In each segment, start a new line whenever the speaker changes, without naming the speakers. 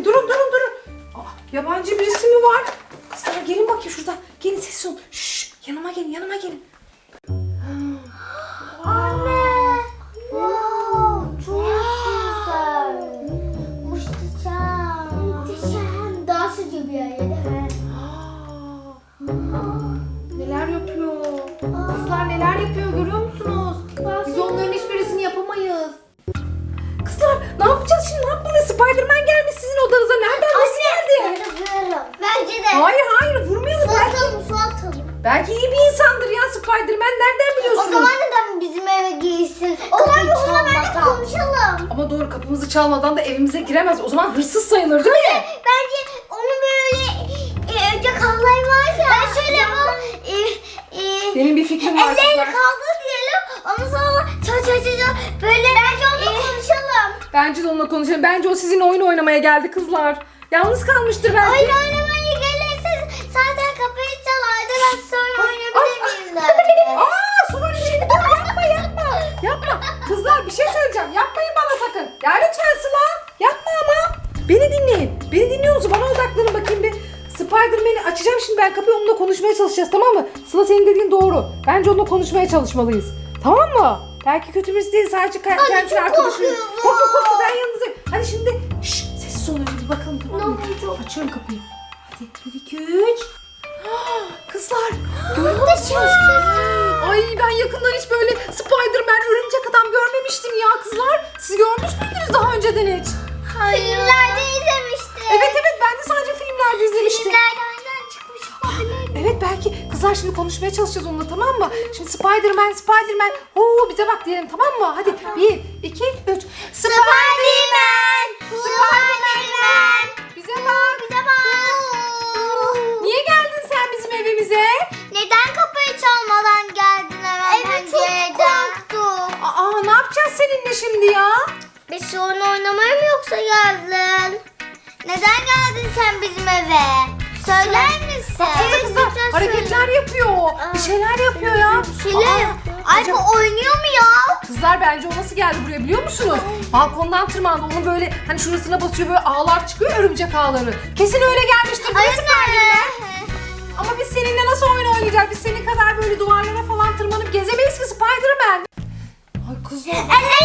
bakayım. Durun. Aa, yabancı birisi mi var? Kızlar gelin bakayım şuradan. Gelin sessiz olun. Şşş, yanıma gelin.
Anne. Wow, çok güzel. Muhteşem. Daha sıcak bir yer.
Neler yapıyor? Kızlar neler yapıyor görüyor musunuz? Biz onların hiçbirisini yapamayız. Kızlar ne yapacağız şimdi? Ne yapmalıyız? Spiderman gelmiş sizin odanıza. Nereden nasıl geldi?
Bence de.
Hayır vurmayalım.
Su atalım.
Belki iyi bir insandır ya Spiderman. Nereden
O
biliyorsunuz?
zaman neden bizim eve giysin? O zaman onunla bence konuşalım.
Ama doğru, kapımızı çalmadan da evimize giremez. O zaman hırsız sayılır değil mi?
Bence onu böyle önce kahlayı var ya. Ben şöyle yapalım.
Benim bir fikrim var
Ellerini
kızlar.
kaldır diyelim. Ondan sonra çal. Böyle bence onunla konuşalım.
Bence de onunla konuşalım. Bence o sizin oyun oynamaya geldi kızlar. Yalnız kalmıştır belki.
Oyun oynamaya gelirse zaten kapıyı çalardı. Ben sonra oynayabilir miyim derdi.
Sonra şimdi yapma. Kızlar bir şey söyleyeceğim. Yapmayın bana sakın. Ya lütfen Sıla. Yapma ama. Beni dinleyin. Beni dinliyor musun? Bana odaklanın bakayım bir. Spiderman'i açacağım şimdi ben kapıyı, onunla konuşmaya çalışacağız, tamam mı? Sıla senin dediğin doğru. Bence onunla konuşmaya çalışmalıyız. Tamam mı? Belki kötü birisi değil, sadece kendisi arkadaşım. Korkma ben yanınızdayım. Hadi şimdi sessiz olun bir bakalım, tamam mı? Açıyorum kapıyı. Hadi 1 2 3. Kızlar görüyor musunuz? Ay ben yakından hiç böyle Spiderman, örümcek adam görmemiştim ya kızlar. Siz görmüş müydünüz daha önceden hiç?
Filmlerde izlemiştim.
Evet ben de sadece filmlerde izlemiştim.
Filmlerden çıkmış olabilir.
Evet belki kızlar şimdi konuşmaya çalışacağız onunla, tamam mı? Şimdi Spiderman oo bize bak diyelim, tamam mı? Hadi 1 2 3 Spiderman bize bak. Niye geldin sen bizim evimize?
Neden kapıyı çalmadan geldin hemen pencereden? Çok korktum.
Ne yapacağız seninle şimdi ya?
Biz oyun oynamaya mı yoksa geldin? Neden geldin sen bizim eve? Söyler misin?
Baksana kızlar hareketler yapıyor. Bir şeyler yapıyor ya.
Ay bu oynuyor mu ya?
Kızlar bence o nasıl geldi buraya biliyor musunuz? Balkondan tırmandı. Onun böyle hani şurasına basıyor, böyle ağlar çıkıyor, örümcek ağları. Kesin öyle gelmiştir. Değil mi Spiderman? Ama biz seninle nasıl oyun oynayacağız? Biz senin kadar böyle duvarlara falan tırmanıp gezemeyiz ki Spiderman. Ay kızlar.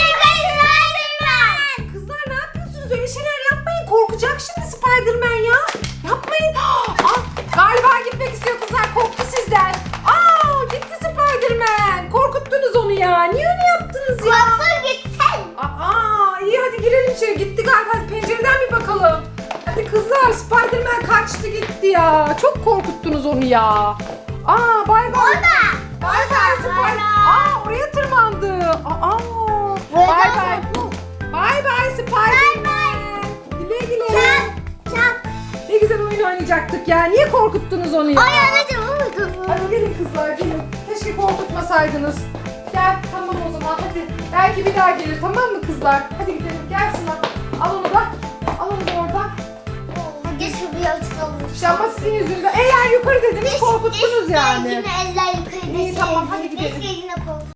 Kızlar ne yapıyorsunuz? Öyle şeyler yapmayın. Korkacak şimdi Spiderman ya. Yapmayın. Galiba gitmek istiyor kızlar. Korktu sizden. Gitti Spiderman. Korkuttunuz onu ya. Niye öyle yaptınız ya?
Baksana gitsen.
İyi hadi girelim içeri. Gitti galiba. Hadi pencereden bir bakalım. Hadi kızlar, Spiderman kaçtı gitti ya. Çok korkuttunuz onu ya. Bay bay. Bay bay Spiderman. Oraya tırmandı. Bay bay. Bay bay Spiderman. Güle güle. Ne güzel oyun oynayacaktık ya. Niye korkuttunuz onu ya?
Anneciğim oldu.
Hadi gelin kızlar gelin. Keşke korkutmasaydınız. Gel tamam o zaman hadi. Belki bir daha gelir, tamam mı kızlar? Hadi gidelim, gel Sıla. Al onu da oradan.
Geçin bir açıklamış.
Ama sizin yüzünden eller yukarı dediniz, korkuttunuz yani.
Yine eller yukarı.
İyi, tamam, hadi gidelim.
Keşke yine korkuttuk.